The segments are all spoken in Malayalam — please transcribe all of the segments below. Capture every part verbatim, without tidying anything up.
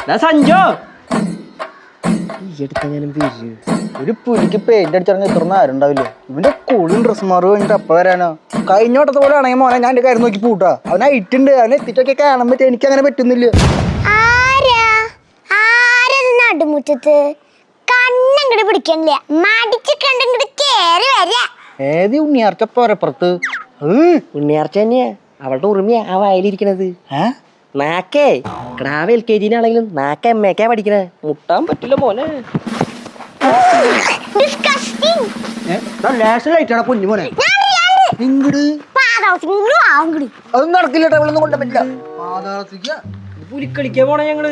സഞ്ജോ ഒരു പുലിക്ക് പെയിന്റ് അടിച്ചിറങ്ങി ഇത്ര നേരം ഉണ്ടാവില്ലേ? ഇവന്റെ കൂളിയും ഡ്രസ് മാറും കഴിഞ്ഞിട്ട് അപ്പ വരാനോ? കഴിഞ്ഞ വട്ടത്തെ പോലെ ആണെങ്കിൽ മോനെ ഞാൻ എന്റെ കാര്യം നോക്കി പൂട്ടാ. അവൻ ഐറ്റുണ്ട്, അവനെ എത്തിച്ചൊക്കെ കാണാൻ പറ്റും. എനിക്ക് അങ്ങനെ പറ്റുന്നില്ല. നടുമുറ്റത്ത് കണ്ണങ്ങട് പിടിക്കണില്ല, മടിച്ച് കണ്ടങ്ങട് കേറി വരാ. ഏത് ഉണ്ണിയാർച്ചപ്പുറത്ത്? ഉണ്ണിയാർച്ച തന്നെയാ, അവളുടെ ഉറുമിയാ ആ വയലിരിക്കണത്. നാക്കേ ക്രാവ് എൽ കെ ജിനാണെങ്കിലും നാക്ക എം എക്കാ പഠിക്കണേ. മുട്ടാൻ പറ്റില്ല മോനെ. കുഞ്ഞു മോനെ അതൊന്നും നടക്കില്ല. അവളൊന്നും കൊണ്ട പറ്റില്ല. പുലിക്കളിക്കാൻ പോണേ ഞങ്ങള്.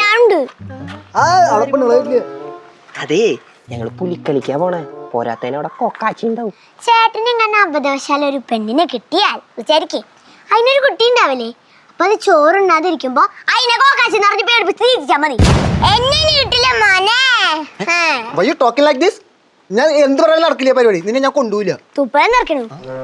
അതെ, ഞങ്ങള് പുലിക്കളിക്കാൻ പോണേ. പോരാത്തതിന് അവിടെ കൊക്കാച്ചി ഉണ്ടാവും. ചേട്ടന് ഇങ്ങനെ അബദ്ധവശാൽ ഒരു പെണ്ണിനെ കിട്ടിയാൽ വിചാരിക്കേ അതിനൊരു കുട്ടി ഉണ്ടാവില്ലേ? അപ്പൊ അത് ചോറുണ്ടാതിരിക്കുമ്പോ അതിനെ കോക്കാച്ചി നിറഞ്ഞ് പേടിപ്പിച്ച് തിരിച്ചാ മതി. എന്നെ കിട്ടില്ല മോനെ. ഞാൻ എന്ത് പറയാൻ നടക്കില്ല പരിപാടി. നിന്നെ ഞാൻ കൊണ്ടുപോയില്ല. തുപ്പഴം നിറക്കണു.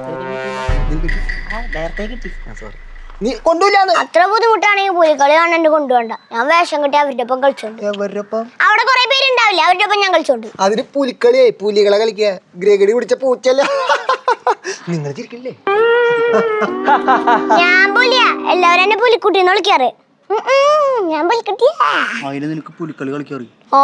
നീ കൊണ്ടുപോയില്ല. അത്ര ബുദ്ധിമുട്ടാണെങ്കിൽ പുലിക്കളി കാണാണ്ട് കൊണ്ടുപോണ്ട. ഞാൻ വേഷം കെട്ടി അവരുടെ ഒപ്പം കളിച്ചോണ്ട്. അവിടെ കുറെ പേരുണ്ടാവില്ല, അവരുടെ ഒപ്പം ഞാൻ കളിച്ചോണ്ട്. അതിന് പുലിക്കളിയെ പുലികളെ കളിക്കുക. ഗ്രഗടി പിടിച്ച പൂച്ചല്ല. നിങ്ങൾ ചിരിക്കില്ലേ? ഞാൻ പുലിയാ, എല്ലാവരും എന്നെ പുലിക്കുട്ടിന്ന് വിളിക്കാറ്. ഞാൻ പുലിക്കുട്ടിയാ. അതിന് നിനക്ക് പുലിക്കളി കളിക്കാറ്? ഓ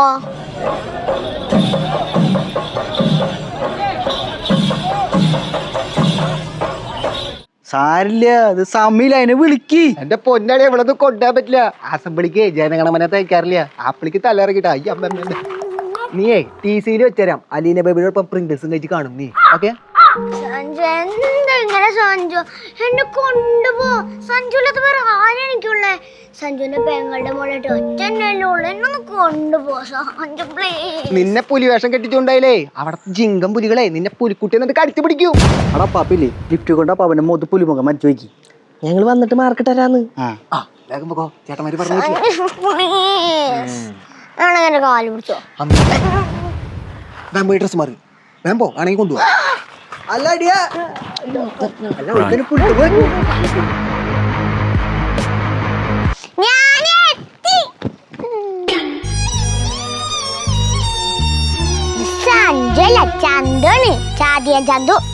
സാരില്ല, അത് സമയില്ല. അതിനെ വിളിക്ക്. എന്റെ പൊന്നാടി ഇവിടെ ഒന്നും കൊണ്ടുപോകാൻ പറ്റില്ല. അസംബ്ലിക്ക് ജനഗണമന തയ്ക്കാറില്ല. ആപ്പിളിക്ക് തലയിറക്കിട്ടാ. ഈ അമ്മ നീയേ ടി സിയിൽ വെച്ചരാം. അലീന ബേബിയോടൊപ്പം പ്രിങ്കിൾസും കഴിച്ച് കാണും നീ. ഓക്കെ സഞ്ജു, എന്താ ഇങ്ങനെ സഞ്ജു? എന്നെ കൊണ്ടുപോ. സഞ്ജുലത്ത് വേറെ ആരും എനിക്കുള്ളേ. സഞ്ജുവിന്റെ പെങ്ങളുടെ മോളായിട്ട് ഒറ്റന്നല്ലേ ഉള്ളു. എന്നൊന്ന് കൊണ്ടുപോ സഞ്ജു പ്ലീസ്. നിന്നെ പുലിവേഷം കെട്ടിച്ചുണ്ടായില്ലേ അവിടത്തെ ജിങ്കം പുലികളെ നിന്നെ പുലിക്കുട്ടി എന്നിട്ട് കടിച്ചു പിടിക്കും. അവിടെ പാപ്പില്ലേ ലിഫ്റ്റ് കൊണ്ടാ പാപ്പന്റെ മുഖത്ത് പുലിമുഖം മരിച്ചു വയ്ക്കി. ഞങ്ങള് വന്നിട്ട് മാർക്കിട്ടരാന്ന്. ചേട്ടന്മാര് പറഞ്ഞു എന്റെ കാല് പിടിച്ചോ. ഡ്രസ് മാറി വേമ്പോ ആണെങ്കിൽ കൊണ്ടുപോവാ. അല്ല അടിയാ സഞ്ജു അല്ല, ചന്തുണ്. ചാതിയ ചന്തു.